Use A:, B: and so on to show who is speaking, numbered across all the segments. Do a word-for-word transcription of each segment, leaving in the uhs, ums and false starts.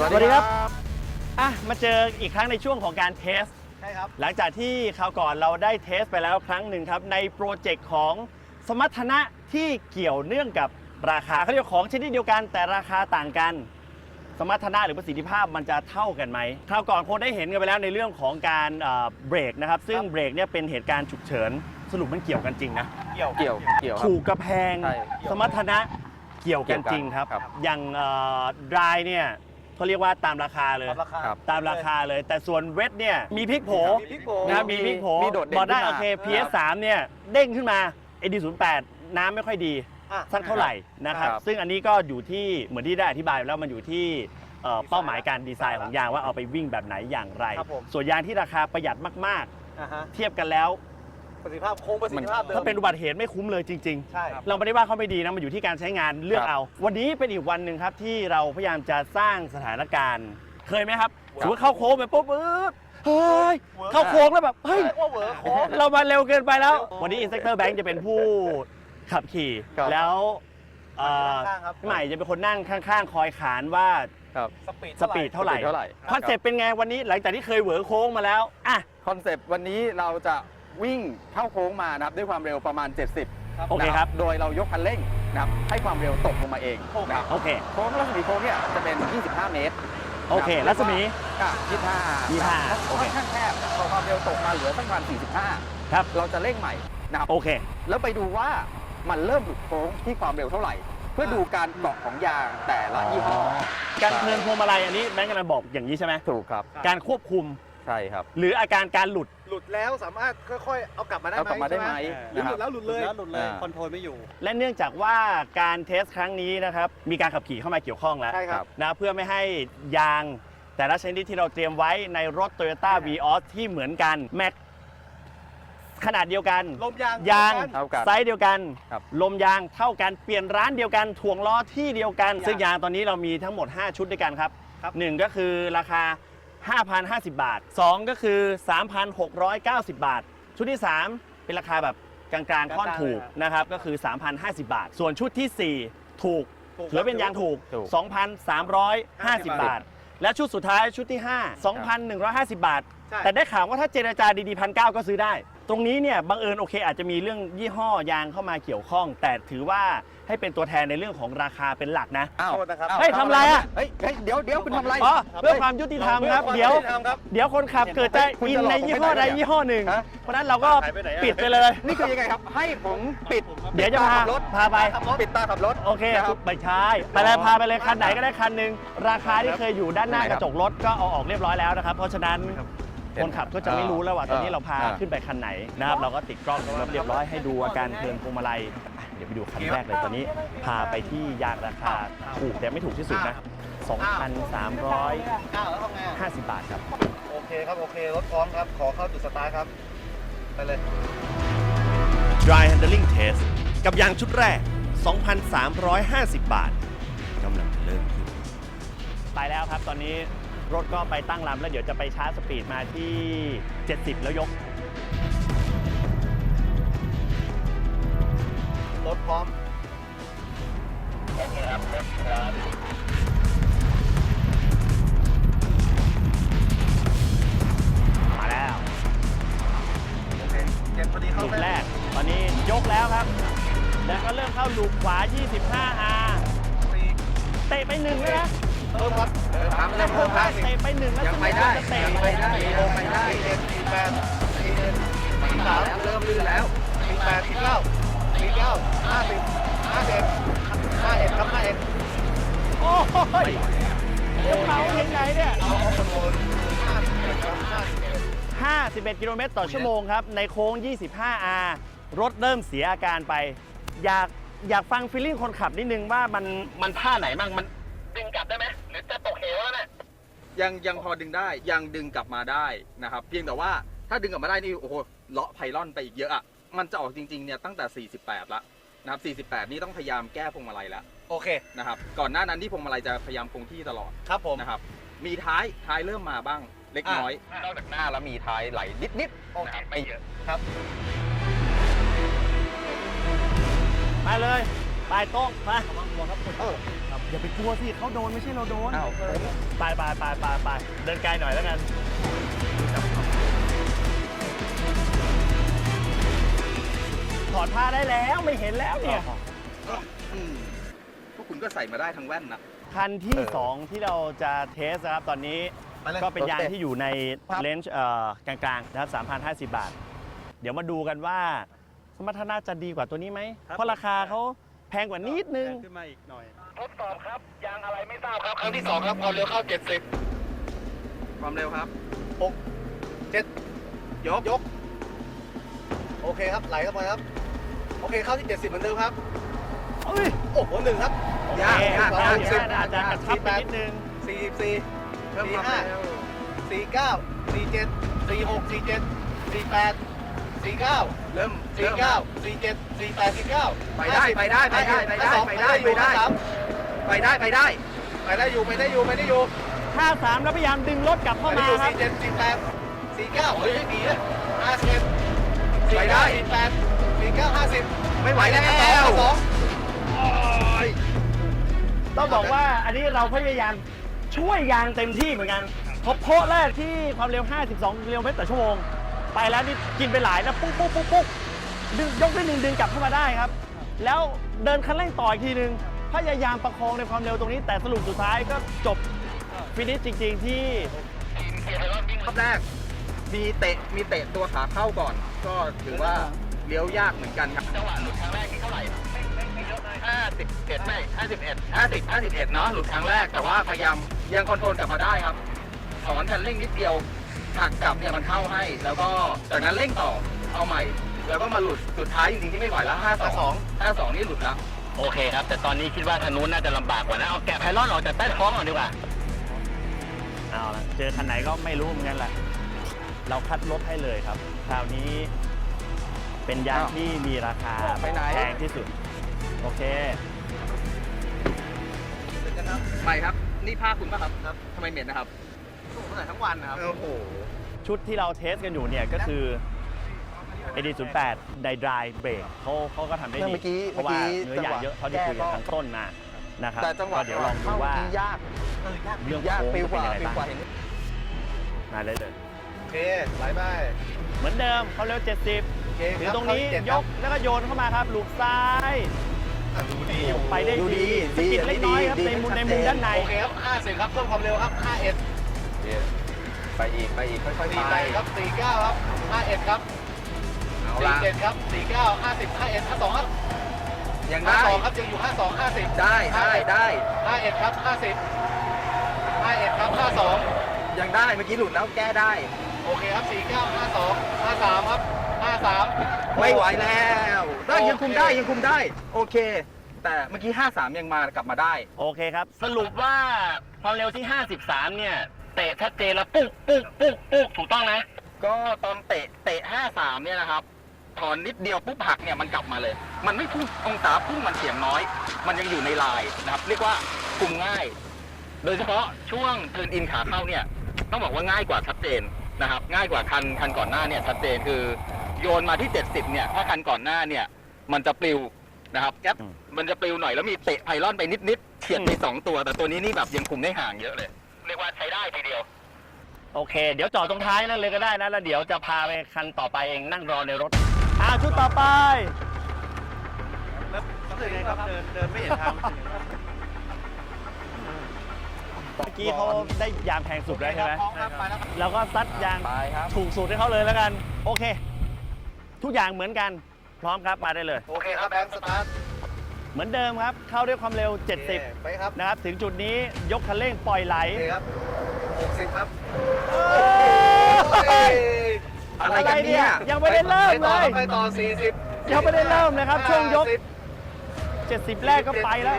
A: สวัสดีครับอ่ะมาเจออีกครั้งในช่วงของการเทส
B: ใช่ครับ
A: หลังจากที่คราวก่อนเราได้เทสไปแล้วครั้งหนึ่งครับในโปรเจกต์ของสมรรถนะที่เกี่ยวเนื่องกับราคาเขาเรียกของชนิดเดียวกันแต่ราคาต่างกันสมรรถนะหรือประสิทธิภาพมันจะเท่ากันไหมคราวก่อนคงได้เห็นกันไปแล้วในเรื่องของการเบรกนะครับซึ่งเบรกเนี่ยเป็นเหตุการณ์ฉุกเฉินสรุปมันเกี่ยวกันจริงนะ
B: เกี่ยว
C: เกี่ยวเกี่ยว
A: ถูกกระแพงสมรรถนะเกี่ยวกันจริงครับ
C: ครับ
A: อย่างดรายเนี่ยเขาเรียกว่าตามราคาเลย
B: ตามราคา
A: ตามราคาเลยแต่ส่วนเวทเนี่ยมีพลิกโผ
B: มีพลิกโผ
A: นะครับมีพลิกโผ
C: มีโดดเด่น
A: บอกได้
C: ขึ้นมา
A: โอเค พี เอส สาม เนี่ยเด้งขึ้นมา เอ ดี ศูนย์ แปด น้ำไม่ค่อยดี
B: อ่ะ
A: สักเท่าไหร่นะครับ
C: ครับ
A: ซึ่งอันนี้ก็อยู่ที่เหมือนที่ได้อธิบายไปแล้วมันอยู่ที่เอ่อเป้าหมายการดีไซน์ของยางว่าเอาไปวิ่งแบบไหนอย่างไร
B: ครับผม
A: ส่วนยางที่ราคาประหยัดมาก
B: อ่าฮะ
A: ๆ เทียบกันแล้ว
B: ประสิทธิภาพคงประสิทธิภาพเดิม
A: ถ้าเป็นอุบัติเหตุไม่คุ้มเลยจริง ๆ
B: ใช่
A: เราไม่ได้ว่าเขาไม่ดีนะมันอยู่ที่การใช้งานเลือกเอา วันนี้เป็นอีกวันหนึ่งครับที่เราพยายามจะสร้างสถานการณ์ เคยไหมครับสมมติเข้าโค้งไปปุ๊บปึ๊บเฮ้ยเข้าโค้งแล้วแบบเฮ้ย
B: เรียกว่าเหวอโค้ง
A: เรามาเร็วเกินไปแล้ว วันนี้ Inspector Bank จะเป็นผู้ขับขี่
C: ครับ
A: แล้วเอ่อ
B: ข้างๆครับ
A: พี่ใหม่จะเป็นคนนั่งข้างๆ คอยขานว่า
C: ครับ
B: สปีด
A: สปีดเท่าไหร่
C: เท่าไหร่
A: คอนเซ็ปต์เป็นไงวันนี้หลังจากที่เคยเหวอโค้งมาแล้วอ่ะ
C: คอนเซปต์วันนี้เราจะวิ่งเข้าโค้งมานะครับด้วยความเร็วประมาณ เจ็ดสิบ
A: โอเคครับ
C: นะโดยเรายกคันเร่งนะครับให้ความเร็วตกลงมาเองนะครับ
A: โอเค
C: โค้งรัศมีโค้งเนี่ยจะเป็น ยี่สิบห้า เมตร
A: โอเครัศมี
C: อ่ะยี่สิบห้า
A: ยี่สิบห้า
C: โอเคค่อนข้างแคบพอความเร็วตกมาเหลือสักประมาณสี่สิบห้า
A: ครับ
C: เราจะเร่งใหม่นะครับ
A: โอเค
C: แล้วไปดูว่ามันเริ่มหลุดโค้งที่ความเร็วเท่าไหร่ เพื่อดูการเกาะของยางแต่ละยี่ห้อ
A: การเทิร์นพวงมาลัยอันนี้แบงค์กำลังบอกอย่างนี้ใช่ไหม
C: ถูกครับ
A: การควบคุม
C: ใช่ครับ
A: หรืออาการการหลุด
B: หลุดแล้วสามารถค่อยๆ เอากลับมาได้ไหม
C: เอากลับมาได้ไหม
B: หรือหลุดแล้วหลุดเลย
C: หลุดเลย
B: คอนโทรลไม่อยู่
A: และเนื่องจากว่าการเทสครั้งนี้นะครับมีการขับขี่เข้ามาเกี่ยวข้องแล้ว
B: ใช่ครับ
A: นะเพื่อไม่ให้ยางแต่ละชนิดที่เราเตรียมไว้ในรถ Toyota Vios ที่เหมือนกันแม็กขนาดเดียวกัน
B: ลมยาง
A: ยาง
C: เท่ากัน
A: ไซส์เดียวกัน
C: ครับ
A: ลมยางเท่ากันเปลี่ยนร้านเดียวกันถ่วงล้อที่เดียวกัน ซึ่งยางตอนนี้เรามีทั้งหมด ห้า ชุดด้วยกันครับ
B: ครับ
A: หนึ่งก็คือราคา ห้าพันห้าสิบ บาทสองก็คือ สามพันหกร้อยเก้าสิบ บาท ชุดที่สามเป็นราคาแบบกลางๆค่อนถูกนะครับก็คือ สามพันห้าสิบ บาท ส่วนชุดที่สี่ถูก
B: ถูก
A: ถือเป็นยางถูก
C: ถูก
A: สองพันสามร้อยห้าสิบ บาท และชุดสุดท้ายชุดที่ห้า สองพันหนึ่งร้อยห้าสิบ บาท
B: ใช่
A: แต่ได้ข่าวว่าถ้าเจรจาดีๆพันเก้าก็ซื้อได้ ตรงนี้เนี่ยบังเอิญโอเคอาจจะมีเรื่องยี่ห้อยางเข้ามาเกี่ยวข้อง แต่ถือว่าให้เป็นตัวแทนในเรื่องของราคาเป็นหลักนะ
C: อ้าว
B: โทษนะครับ
C: อ้าว
A: เฮ้ยทำอะไรอะ
C: เฮ้ยเฮ้ยเดี๋ยวเดี๋ยวคุณทำอะไร
A: อ๋อเพื่อความยุติธรรมครับ เดี๋ยว
B: ทำครับ
A: เดี๋ยวคนขับเกิดจะ
C: คุณ
A: อิน
C: จะหลอก
A: ใน
C: ผม
A: ยี่ห้อ
C: ไม่
A: ใด
C: ได้เนี่ย
A: ยี่ห้อหนึ่ง
C: ฮะ
A: เพราะฉะนั้นเราก็
B: หายไปไหนอะ
A: ปิดไปเลย
C: นี่คือยังไงครับ ให้ผมปิด
A: เดี๋ยวจะพา
C: ขับรถ
A: พาไป
C: ปิดตาขับรถ
A: โอเค
C: นะครับ
A: ไปใช้ไปเลยพาไปเลยคันไหนก็ได้คันหนึ่งราคาที่เคยอยู่ด้านหน้ากระจกรถก็เอาออกเรียบร้อยแล้วนะครับ เพราะฉะนั้นคนขับก็จะไม่รู้แล้วว่าตอนนี้เราพาขึ้นไปคันไหนนะครับเราก็ติดกล้องรถเรียบร้อยให้ดูอาการเทิร์นพวงมาลัยอ่ะเดี๋ยวไปดูคันแรกเลยตอนนี้พาไปที่ยางราคาถูกแต่ไม่ถูกที่สุดนะ สองพันสามร้อย
B: อ้าวแล้วทำไงอะ
A: ห้าสิบ บาทครับ
B: โอเคครับ โอเค รถพร้อมครับ ขอเข้าจุดสตาร์ทครับ ไปเลย
A: Dry Handling Test กับยางชุดแรก สองพันสามร้อยห้าสิบ บาทกำลังเริ่มขึ้นไปแล้วครับตอนนี้รถก็ไปตั้งลำแล้วเดี๋ยวจะไปชาร์จสปีดมาที่ เจ็ดสิบ แล้วยก
B: รถพร้อม
A: มาแล้ว
B: โอเคเก็บพอดีเข้า
A: ลูก
B: เส้น
A: แรก ตอนนี้ยกแล้วครับ แล้วก็เริ่มเข้าลูกขวา ยี่สิบห้า อาร์
B: สี่
A: เตะไปหนึ่งเลยนะ
B: เพิ่มครับ
C: ทำเลยเพิ่มครับ
A: เตะไปหนึ่งแล้ว
C: ยังไปได้
A: จะเตะ
C: ยังไปได้ยังไปได้
B: สี่เอ็ดสี่แปดสี่เอ็ดสี่สาม
C: เริ่มลื่นแล้ว
B: สี่แปดสี่เก้าสี่เก้าห้าสิบห้าเอ็ดห้าเอ็ดครับห้าเอ็ด
A: โอ้ยจะเผายังไงเนี่ย
B: เอาเอาคอนโทรลห้าสิบเอ็ดครับห้าสิบเอ็ด
A: ห้าสิบเอ็ด กิโลเมตรต่อชั่วโมงครับ ในโค้ง ยี่สิบห้า อาร์ รถเริ่มเสียอาการไป อยากอยากฟังฟีลลิ่งคนขับนิดนึงว่ามันมันท่าไหนบ้างมันดึงกลับได้ไหมหรือจะตกเหวแล้วเนี่ย
C: ยังยังพอดึงได้ยังดึงกลับมาได้นะครับเพียงแต่ว่าถ้าดึงกลับมาได้นี่โอ้โหเลาะไพลอนไปอีกเยอะอ่ะมันจะออกจริงๆเนี่ยตั้งแต่สี่สิบแปดละนะครับสี่สิบแปดนี่ต้องพยายามแก้พวงมาลัยแล้ว
B: โอเค
C: นะครับก่อนหน้านั้นที่พวงมาลัยจะพยายามคงที่ตลอด
B: ครับผม
C: นะครับมีท้ายท้ายเริ่มมาบ้างเล็กน้อย
B: อ่ะ
C: นอกจากหน้าแล้วมีท้ายไหลนิดๆ
B: โอเค
C: นะครับไม่เยอะ
B: ครับ
A: ไปเลย ไปโต้งไป
B: ระวังหัวครับคุณเออครับ
A: อย่าไปกลัวสิเขาโดนไม่ใช่เราโดน
C: อ้าวผม
A: ไปไปไปไปไปเดินไกลหน่อยแล้วกันถอดผ้าได้แล้วไม่เห็นแล้วเนี่ย
C: อืมพวกคุณก็ใส่มาได้ทั้งแว่นนะ
A: คันที่ สอง ที่เราจะเทสนะครับ ตอนนี้
B: ไปเลย
A: ก็เป็นยาง
B: โอเค
A: ที่อยู่ใน
B: ครับ
A: เลนส์กลางๆนะครับสามพันห้าสิบบาท เดี๋ยวมาดูกันว่า สมรรถนะจะดีกว่าตัวนี้ไหม เพราะราคาเขาแพงกว่านิดนึง
D: ขึ้นมาอีกหน่อย
B: ทดสอบครับ ยางอะไรไม่ทราบครับ ครั้งที่สองครับความเร็วเข้าเจ็ดสิบ
C: ความเร็วครับ
B: หกเจ็ด
C: ยก
B: ยก โอเคครับ ไหลเข้าไปครับ โอเคเข้าที่เจ็ดสิบเหมือนเดิมครับ
A: เอ้ย
B: โอ้โหหนึ่งครับ
C: ยาก
A: โอเค
C: ยาก
A: ยาก
B: สิบ
A: อาจจะกระชับไปนิดนึง
B: สี่สิบสี่
C: เพิ่ม
B: สี่
C: ความ
B: ห้า
C: เร็ว
B: สี่เก้าสี่เจ็ดสี่หกสี่เจ็ดสี่แปดสี่เก้า
C: เริ่ม
B: สี่
C: เริ่ม
B: เก้าสี่เจ็ดสี่แปดสี่เก้า
C: ไปได้ไปได้ไปได้ไปได้ไปได้ไปได้ ไปได้ไปได้
B: ไปได้อยู่ไปได้อยู่ไปได้อยู่
A: ห้าสามแล้วพยายามดึงรถกลับ
B: ไป
A: เข้า
B: ได้
A: มา
B: อยู่
A: ครับ
B: สี่เจ็ดสี่แปดสี่เก้าเฮ้ยดีนะห้าสิบสี่
C: ไปได้
B: เก้าสี่แปดสี่เก้าห้าสิบ
C: ไม่ไหวแล้ว
B: สอง
A: ต้องบอกว่าอันนี้เราพยายามช่วยยางเต็มที่เหมือนกันพบโพะแรกที่ความเร็ว ห้าสิบสอง กิโลเมตรต่อชั่วโมง ไปแล้วนี่กินไปหลายนะปุ๊กปุ๊กปุ๊กปุ๊กดึงยกได้หนึ่งดึงกลับเข้ามาได้ครับ แล้วเดินคันเร่งต่ออีกทีหนึ่งพยายามประคองในความเร็วตรงนี้ แต่สรุปสุดท้ายก็จบฟินิชจริง ๆ ที่
C: รอบแรก มีเตะมีเตะตัวขาเข้าก่อน ก็ถือว่าเลี้ยวยากเหมือนกันครับ
B: จังหวะหลุดครั้งแรกที่เท่าไหร่ห้าสิบเอ็ดไม่ห้าสิบเอ็ดห้าสิบห้าสิบเอ็ดเนาะหลุดครั้งแรก
C: แต่ว่าพยายามยังคอนโทรลกลับมาได้ครับสอนคันเร่งนิดเดียวหักกลับเนี่ยมันเข้าให้ แล้วก็จากนั้นเร่งต่อเอาใหม่ แล้วก็มาหลุดสุดท้ายจริงๆที่ไม่ไหวแล้วห้าสองห้าสองนี่หลุดแล้ว
E: โอเคครับ แต่ตอนนี้คิดว่าทางนู้นน่าจะลำบากกว่านะ เอาแกะไพลอนออกจากใต้ท้องก่อนดีกว่า
A: เอาละเจอคันไหนก็ไม่รู้เหมือนกันแหละ เราคัดรถให้เลยครับ คราวนี้เป็นยาง
C: อ้าว
A: ที่มีราคา
C: ไปไหน
A: แพงที่สุด โอเค
C: ไม่ครับ นี่ผ้าคุณป่ะครับครับทำไมเหม็นนะครับ
B: ผมใส่ทั้งวันนะครับ
C: โอ้โห
A: ชุดที่เราเทสกันอยู่เนี่ยก็คือ เอ ดี ศูนย์แปด Dry Dry Brake เขาเขาก็ทำได้ดี
B: เมื่อกี้
A: เพราะว่า
B: เมื่อกี้
A: เนื้อยางเยอะเขาที่คุยกันทางต้นมานะครับ
B: แต่จังหวะ
A: ก็เดี๋ยวลองดูว่า
B: ยากเออยาก
A: เรื่อง
B: ยาก
A: โค้ง
B: ปิวกว่า
A: จะเป็น
B: ปิ
A: ยั
B: ว
A: งไง
B: กว่า
A: บ้าง
B: เห็นไหม
A: มาเลยเลย
B: โอเคไหลไป
A: เหมือนเดิมเขาเร็ว เจ็ดสิบ
B: โอเค
A: ถื
B: ค
A: อ
B: รับ
A: ตรงนี้
B: เข้าที่เจ็ด
A: ย
B: ครับ
A: กแล้วก็โยนเข้ามาครับลูกซ้าย
B: อ่ะดูดีอยู่
A: ไปได้
C: ดูดี
A: ดีสะกิดเล็กน้อยครับ
C: ดี
A: ในมุม
C: ดี
A: ในมุมด้านใน
B: โอเคครับห้าสิบครับเพิ่มความเร็วครับห้าเอ็ด
C: ไปอีกไปอีกค่อยๆ
B: สี่
C: ไป
B: แปดครับสี่เก้าครับห้าเอ็ดครับ
C: เอา
B: สี่
C: ละ
B: เจ็ดครับสี่เก้าห้าสิบห้าเอ็ดห้าสองครับ
C: ยัง
B: ห้า
C: ได้
B: สองครับยังอยู่ห้าสองห้าสิบ
C: ได้ได้ได้
B: ห้าเอ็ดครับห้าสิบห้าเอ็ดครับห้าสอง
C: ยังได้เมื่อกี้หลุดแล้วแก้ได้
B: โอเคครับสี่เก้าห้าสองห้าสามครับห้าสาม
C: ไม่ไหวแล้วได้ยังคุมได้ยังคุมได้ โอเค แต่เมื่อกี้ห้าสามยังมากลับมาได้
A: โอเคครับ
E: สรุปว่าความเร็วที่ ห้าสิบสาม เนี่ย เตะชัดเจนแล้วปุ๊กปุ๊กปุ๊กปุ๊กถูกต้องนะ
C: ก็ตอนเตะเตะห้าสามเนี่ยนะครับถอนนิดเดียวปุ๊บหักเนี่ยมันกลับมาเลย มันไม่พุ่งองศาพุ่งมันเสียงน้อย มันยังอยู่ในลายนะครับ เรียกว่าคุมง่าย โดยเฉพาะช่วงเทิร์นอินขาเข้าเนี่ยต้องบอกว่าง่ายกว่าชัดเจนนะครับ ง่ายกว่าคันคันก่อนหน้าเนี่ยชัดเจนคือโยนมาที่เจ็ดสิบเนี่ยถ้าคันก่อนหน้าเนี่ยมันจะปลิวนะครับแก๊ป
A: อืม
C: มันจะปลิวหน่อยแล้วมีเตะไพลอนไปนิดๆเฉียดไปสองตัว แต่ตัวนี้นี่แบบยังคุมได้ห่างเยอะเลย
E: เรียกว่าใช้ได้ทีเดียว
A: โอเค เดี๋ยวจอดตรงท้ายนั่นเลยก็ได้นะ แล้วเดี๋ยวจะพาไปคันต่อไปเองนั่งรอในรถอ่าชุดต่อไป
D: แล้วรู้สึกไงครับ เดินเดินไม่เห็นทาง
A: เมื่อกี้เขาได้ยางแพงสุดแล้วใช่ไหม
B: พร้อมครับไปแล้วครับ
A: เราก็ซัดยาง
C: ไปครับ
A: ถูกสุดให้เขาเลยแล้วกัน โอเค ทุกอย่างเหมือนกัน พร้อมครับ มาได้เลย
B: โอเคครับแบงค์สตาร์ท
A: เหมือนเดิมครับ เข้าด้วยความเร็ว เจ็ดสิบ
B: โอคไปครับ
A: นะครับ ถึงจุดนี้ยกคันเร่งปล่อยไหล
B: โอเคครับหกสิบครับ
A: เอ้ย
C: อะไรกันเนี่ย
A: ยังไม่ได้เริ่มเลย
B: ไปต่อสี่สิบ
A: ยังไม่ได้เริ่มเลยครับช่วงยก เจ็ดสิบแรกก็ไปแล้ว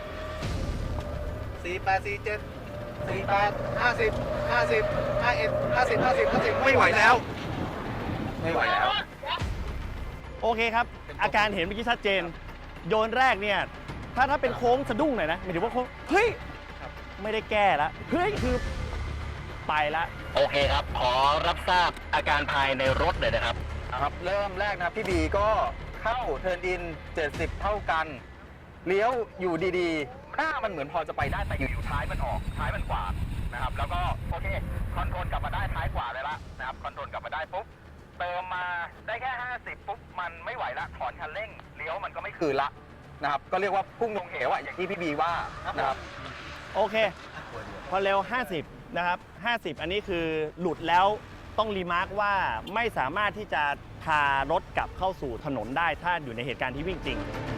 B: สี่แปดสี่เจ็ดสี่แปดห้าสิบห้าสิบห้าเอ็ดห้าสิบห้าสิบห้าสิบ
C: ไม่ไหวแล้ว ไม่ไหวแล้ว
A: โอเคครับ อาการเห็นเมื่อกี้ชัดเจน โยนแรกเนี่ย ถ้าถ้าเป็นโค้งสะดุ้งหน่อยนะหมายถึงว่าโค้ง เฮ้ย ไม่ได้แก้แล้ว เฮ้ย คือไปละ
E: โอเคครับ ขอรับทราบอาการภายในรถเลยนะครับ
C: ครับเริ่มแรกนะครับพี่บีก็เข้าเทิร์นอินเจ็ดสิบเท่ากัน เลี้ยวอยู่ดีๆหน้ามันเหมือนพอจะไปได้แต่อยู่ๆท้ายมันออกท้ายมันขวานะครับแล้วก็โอเคคอนโทรลกลับมาได้ท้ายขวาเลยละนะครับคอนโทรลกลับมาได้ปุ๊บเติมมาได้แค่ห้าสิบปุ๊บมันไม่ไหวละถอนคันเร่งเลี้ยวมันก็ไม่คืนละนะครับก็เรียกว่าพุ่งลงเหวอะอย่างที่พี่บีว่านะครับ
A: โอเคพอเร็วห้าสิบนะครับห้าสิบอันนี้คือหลุดแล้วต้องรีมาร์กว่าไม่สามารถที่จะพารถกลับเข้าสู่ถนนได้ถ้าอยู่ในเหตุการณ์ที่วิ่งจริง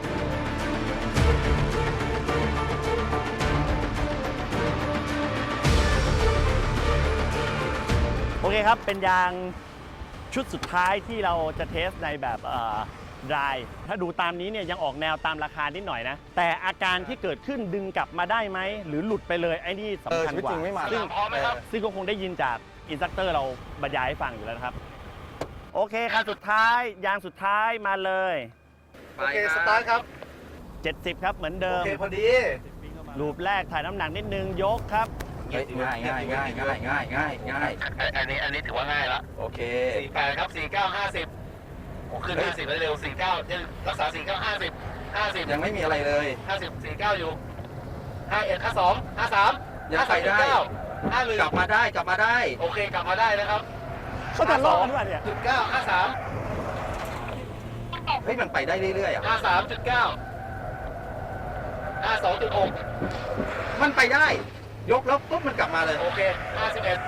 A: โอเคครับ เป็นยางชุดสุดท้ายที่เราจะเทสในแบบดรายถ้าดูตามนี้เนี่ยยังออกแนวตามราคานิดหน่อยนะ แต่อาการที่เกิดขึ้นดึงกลับมาได้ไหม หรือหลุดไปเลยไอ้นี่สำคัญกว่า
C: เออชีวิตจริงไม่มา
A: ซึ่ง
E: พร้อมไหมครับ
A: ซึ่งก็คงได้ยินจากอินสตรัคเตอร์เราบรรยายให้ฟังอยู่แล้วนะครับ โอเคคันสุดท้ายยางสุดท้ายมาเลย
B: โอเคสตาร์ทครับ
A: เจ็ดสิบครับเหมือนเดิ
B: โอ
A: ม
B: เคพอดี
A: รูปแรกถ่ายน้ำหนักนิดนึงยกครับ
C: ง่ายง่ายง่ายง่ายง่ายง่ายง่าย
E: อันนี้อันนี้ถือว่าง่ายละ
C: โอเค
E: สี่แปดครับสี่เก้าห้าสิบโอ้ขึ้นห้าสิบเร็วสี่เก้ายังรักษาสี่เก้าห้าสิบห้าสิบ
C: ยังไม่มีอะไรเลย
E: ห้าสิบสี่เก้าอยู่ห้าเอ็ดห้าสองห้าสาม
C: ยังไปได้
E: ห้าหนึ่ง
C: กลับมาได้กลับมาได้
E: โอเคกลับมาได้นะครับ
A: เขาจะรอดหรือเปล่าเนี่ย
E: จุดเก้าห้าสาม
C: เฮ้ยมันไปได้เรื่อยๆอ่ะ
E: ห้าสามจุดเก้าห้าสองจุดหก
C: มันไปได้ ยกแล้วปุ๊บมันกลับมาเลย
E: โอเคห้าสิบเอ็ด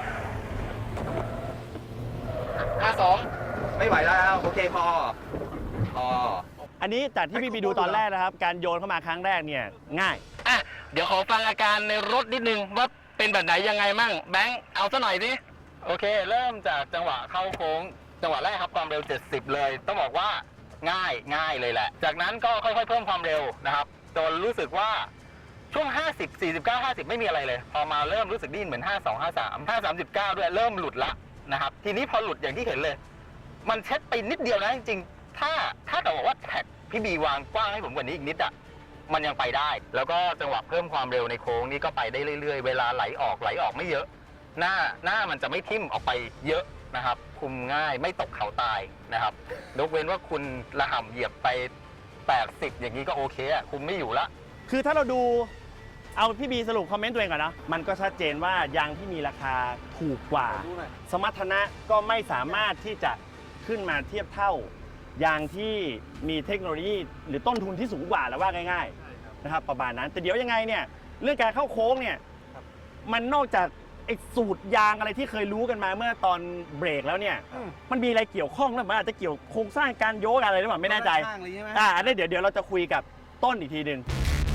E: ห้าสอง
C: ไม่ไหวแล้วโอเคพอพอ
A: อันนี้จากที่พี่บีดูตอนแรกนะครับ การโยนเข้ามาครั้งแรกเนี่ยง่าย
E: อ่ะเดี๋ยวขอฟังอาการในรถนิดนึงว่าเป็นแบบไหนยังไงมั่งแบงค์เอาซะหน่อยดิโอเค เริ่มจากจังหวะเข้าโค้งจังหวะแรกครับความเร็วเจ็ดสิบเลยต้องบอกว่าง่ายง่ายเลยแหละ จากนั้นก็ค่อยๆเพิ่มความเร็วนะครับจนรู้สึกว่าช่วงห้าสิบ สี่สิบเก้า ห้าสิบไม่มีอะไรเลยพอมาเริ่มรู้สึกดิ้นเหมือนห้าสอง ห้าสาม ห้าสาม เก้าด้วยเริ่มหลุดละนะครับทีนี้พอหลุดอย่างที่เห็นเลย มันเช็ดไปนิดเดียวนะจริงๆถ้าถ้าแต่บอกว่าแท็กพี่บีวางกว้างให้ผมกว่านี้อีกนิดอ่ะมันยังไปได้ แล้วก็จังหวะเพิ่มความเร็วในโค้งนี่ก็ไปได้เรื่อยๆเวลาไหลออกไหลออกไม่เยอะ หน้าหน้ามันจะไม่ทิ่มออกไปเยอะนะครับคุมง่ายไม่ตกเขาตายนะครับยกเว้นว่าคุณระห่ำเหยียบไปแปดสิบอย่างนี้ก็โอเคอ่ะคุมไม่อยู่ละ
A: คือถ้าเราดูเอาพี่บีสรุปคอมเมนต์ตัวเองก่อนนะ มันก็ชัดเจนว่ายางที่มีราคาถูกกว่า สมรรถนะก็ไม่สามารถที่จะขึ้นมาเทียบเท่ายางที่มีเทคโนโลยีหรือต้นทุนที่สูงกว่าแล้วว่าง่ายๆนะครับประมาณนั้น แต่เดี๋ยวยังไงเนี่ยเรื่องการเข้าโค้งเนี่ยมันนอกจากไอ้สูตรยางอะไรที่เคยรู้กันมาเมื่อตอนเบรกแล้วเนี่ยมันมีอะไรเกี่ยวข้องหรือมันอาจจะเกี่ยวโครงสร้างการโยกอะไรหรือเปล่าไม่แน่ใจอ่าอันนี้เดี๋ยวเดี๋ยวเราจะคุยกับต้นอีกทีหนึ่ง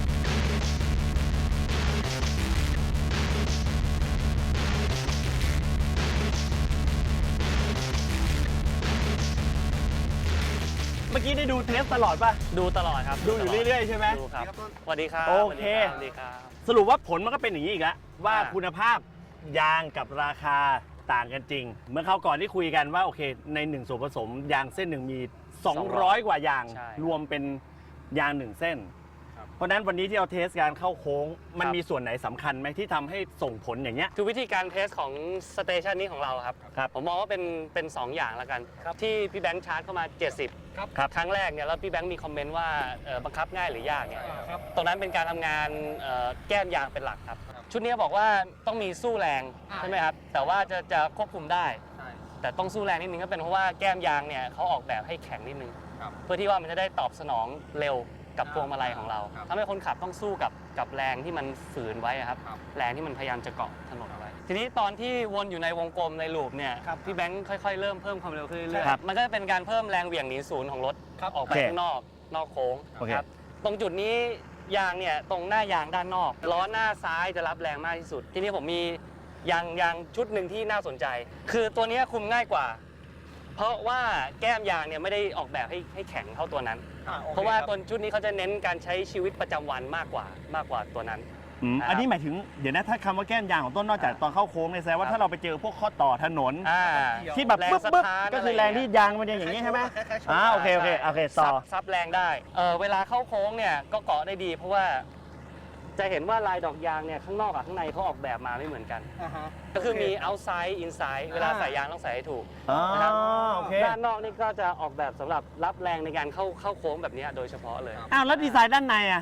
A: เมื่อกี้ได้ดูเทสตลอดป่ะ
F: ดูตลอดครับ
A: ดูอยู่เรื่อยๆใช่ไหม
F: ดูครับสวัสดีครับ
A: โอเค
F: สวัสดีครับ
A: สรุปว่าผลมันก็เป็นอย่างนี้อีกแล้วว่า
F: อ่า
A: คุณภาพยางกับราคาต่างกันจริง เมื่อคราวก่อนที่คุยกันว่าโอเคในหนึ่งส่วนผสมยางเส้นหนึ่งมี สองร้อย กว่ายาง
F: ใช่
A: รวมเป็นยางหนึ่งเส้น เพราะฉะนั้นวันนี้ที่เราเทสการเข้าโค้ง มันมีส่วนไหนสำคัญไหมที่ทำให้ส่งผลอย่างเงี้ย
F: คือวิธีการเทสของสเตชันนี้ของเราครับ
A: ครับ
F: ผมมองว่าเป็นเป็นสองอย่างแล้วกัน ที่พี่แบงค์ชาร์จเข้ามาเจ็ดสิบ
A: ครับ
F: ครั้งแรกเนี่ยแล้วพี่แบงค์มีคอมเมนต์ว่าเอ่อบังคับง่ายหรือยากเนี่ยตรงนั้นเป็นการทำงานเอ่อแก้มยางเป็นหลักครับ ชุดนี้บอกว่าต้องมีสู้แรงใช่ไหมครับแต่ว่าจะจะควบคุมได้ แต่ต้องสู้แรงนิดนึงก็เป็นเพราะว่าแก้มยางเนี่ยเขาออกแบบให้แข็งนิดนึง
C: ครับ
F: เพื่อที่ว่ามันจะได้ตอบสนองเร็วกับพวงมาลัยของเรา
C: ครับ
F: ทำให้คนขับต้องสู้กับกับแรงที่มันฝืนไว้อะครับ
C: ครับ
F: แรงที่มันพยายามจะเกาะถนนไว้ ทีนี้ตอนที่วนอยู่ในวงกลมในลูปเนี่ยพี่แบงค์ค่อยๆเริ่มเพิ่มความเร็วขึ้นเรื่อย
A: ครับ
F: ๆมันก็จะเป็นการเพิ่มแรงเหวี่ยงหนีศูนย์ของรถออกไป
A: โอเค
F: ข้างนอกนอกโค้ง
A: โอเค
F: ครับตรงจุดนี้ยางเนี่ยตรงหน้ายางด้านนอกล้อหน้าซ้ายจะรับแรงมากที่สุด ทีนี้ผมมียางยางชุดหนึ่งที่น่าสนใจ คือตัวนี้คุมง่ายกว่า เพราะว่าแก้มยางเนี่ยไม่ได้ออกแบบให้ให้แข็งเท่าตัวนั้น เพราะว่าตัวชุดนี้เขาจะเน้นการใช้ชีวิตประจำวันมากกว่ามากกว่าตัวนั้น
A: อืม
F: ครับ
A: อันนี้หมายถึงเดี๋ยวนะถ้าคำว่าแก้มยางของต้นนอกจากตอนเข้าโค้งเนี่ยแสดงว่าถ้าเราไปเจอพวกข้อต่อถนน
F: อ่า
A: ที่แบบ
F: แรง
A: ปึ๊บ
F: ส
A: ปึ๊บ
F: ถาน
A: ก็คือแรงที่ยางมันยังอย่างนี้ใช่ไหมอ่าโอเคโอเคโอเคต่อ
F: ซับซับแรงได้เออเวลาเข้าโค้งเนี่ยก็เกาะได้ดี เพราะว่าจะเห็นว่าลายดอกยางเนี่ยข้างนอกกับข้างในเขาออกแบบมาไม่เหมือนกัน ก็คือมี outside inside เวลาใส่ยางต้องใส่ให้ถูก
A: อ๋อ
F: นะครับ
A: โอเค
F: ด้านนอกนี่ก็จะออกแบบสำหรับรับแรงในการเข้าเข้าโค้งแบบนี้โดยเฉพาะเลย
A: อ้าวแล้วดีไซน์ด้านในอ่ะ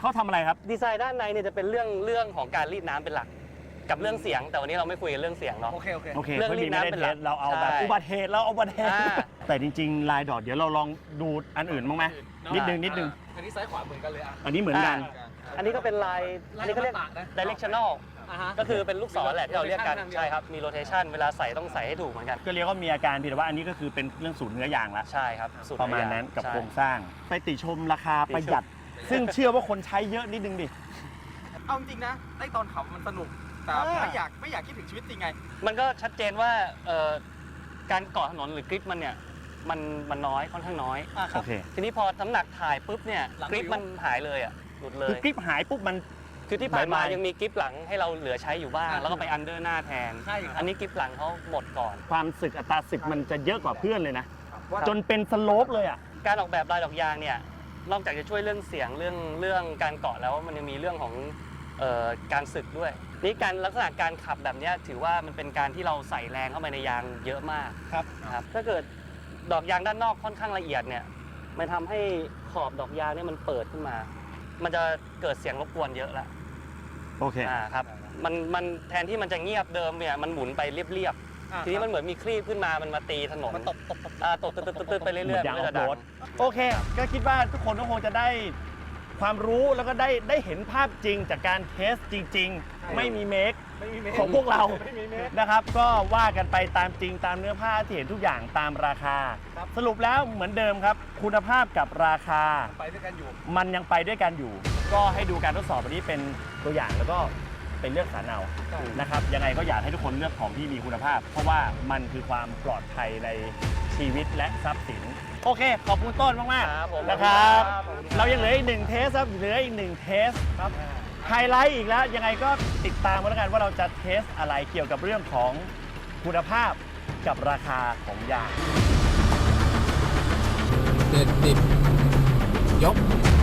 A: เขาทำอะไรครับ
F: ดีไซน์ด้านในเนี่ยจะเป็นเรื่องเรื่องของการรีดน้ำเป็นหลัก กับเรื่องเสียง แต่วันนี้เราไม่คุยกันเรื่องเสียงเนาะ
B: โอเคโอเค
A: โอเค
F: เรื่อง
A: ไม่มี
F: รีด
A: ไม่
F: น้ำ
A: ได้
F: เป็น
A: เท
F: หลั
A: ส
F: ก
A: เราเอาแบบ
F: ใช่
A: อุบัติเหตุเราเอาอุบัติเหตุ
F: อ่า
A: แต่จริงๆลายดอทเดี๋ยวเราลองดูอันอื่นบ้างไหมนิดนึงนิดนึง
B: อันนี้ซ้ายขวาเหมือนกันเลยอ่ะ
A: อันนี้เหมือนกัน
F: อันนี้ก็เป็นลาย อันนี้เขาเรียก directional
B: อ่าฮะ
F: ก็คือเป็นลูกศรแหละที่เราเรียกกัน
B: rotation
F: ใช่ครับ มี rotation เวลาใส่ต้องใส่ให้ถูกเหมือนกัน
A: ก็เรียกว่ามีอาการเพียงแต่ว่าอันนี้ก็คือเป็นเรื่องสูตรเนื้อยางละ
F: ใช่ครับสูต
A: ประมาณนั้นกับ
F: ใช่
A: โครงสร้าง ไปติชมราคา
F: ติชม
A: ประหยัด ซึ่งเชื่อว่าคนใช้เยอะนิดนึงดิ
C: เอาจริงๆนะไอ้ตอนขับมันสนุก แต่
B: อ่า
C: ไม่อยากไม่อยากคิดถึงชีวิตจริงไง
F: มันก็ชัดเจนว่าเอ่อการเกาะถนนหรือกริปมันเนี่ยมันมันน้อยค่อนข้างน้อย
B: อ่ะค
A: โอ
B: รับ
A: เค
F: ทีนี้พอน้ำหนักถ่ายปุ๊บเนี่ย
B: หลัง
F: กริป
B: วิว
F: มันหายเลยอ่ะหลุดเล
A: คือย กริปหายปุ๊บมัน
F: คือที่ผ่านมา
A: บายบาย
F: ยังมีกริปหลังให้เราเหลือใช้อยู่บ้าง
B: อ่า
F: แล้วก็ไปอันเดอร์หน้าแทน
B: ใช่ครับ
F: อันนี้กริปหลังเขาหมดก่อน
A: ความสึกอัตราสึกมันจะเยอะกว่าเพื่อนเลยนะ
B: ว่า
A: จนเป็นสโลปเลยอ่ะ
F: การออกแบบลายดอกยางเนี่ยนอกจากจะช่วยเรื่องเสียงเรื่องเรื่องการเกาะแล้วมันยังมีเรื่องของเอ่อการสึกด้วยนี่การลักษณะการขับแบบเนี้ยถือว่ามันเป็นการที่เราใส่แรงเข้าไปในยางเยอะมาก
B: ครับ
F: นะครับถ้าเกิดดอกยางด้านนอกค่อนข้างละเอียดเนี่ยมันทำให้ขอบดอกยางเนี่ยมันเปิดขึ้นมา มันจะเกิดเสียงรบกวนเยอะละ
A: โอเค
F: อ่าครับมันมันแทนที่มันจะเงียบเดิมเนี่ยมันหมุนไปเรียบ
B: อ่ะ
F: ๆทีนี้มันเหมือนมีครีบขึ้นมามันมาตีถนน
B: มันตบตบตบ
F: อ่าตบตึ๊ดตึ๊ดตึ๊ดตึ๊ดไปเรื่อยๆ
A: เหมือนยาง
F: มันก็จะดั
A: ออฟโรง ด โอเค ก็คิดว่าทุกคนก็คงจะได้ความรู้แล้วก็ได้ได้เห็นภาพจริงจากการเทสจริง ๆ ไม่มีเมค
B: ไม่มีเมตร
A: ของพวกเรา
B: ไม่มีเมตร
A: นะครับ ก็ว่ากันไปตามจริงตามเนื้อผ้าที่เห็นทุกอย่างตามราคา
B: ครับ
A: สรุปแล้วเหมือนเดิมครับ คุณภาพกับราคา
B: ไปด้วยกันอยู่
A: มันยังไปด้วยกันอยู่ ก็ให้ดูการทดสอบวันนี้เป็นตัวอย่างแล้วก็เป็นเลือกสรรเอา
B: ใช่
A: นะครับ ยังไงก็อยากให้ทุกคนเลือกของที่มีคุณภาพ เพราะว่ามันคือความปลอดภัยในชีวิตและทรัพย์สิน โอเค ขอบคุณต้นมาก
F: ครับผม
A: ๆนะครับ
F: ครับผม
A: เรายังเหลืออีกหนึ่งเทสครับ เหลืออีกหนึ่งเทสครับ ไฮไลท์อีกแล้ว ยังไงก็ติดตามกันแล้วกันว่าเราจะเทสอะไรเกี่ยวกับเรื่องของคุณภาพกับราคาของยาง
G: เด็ดดิบยก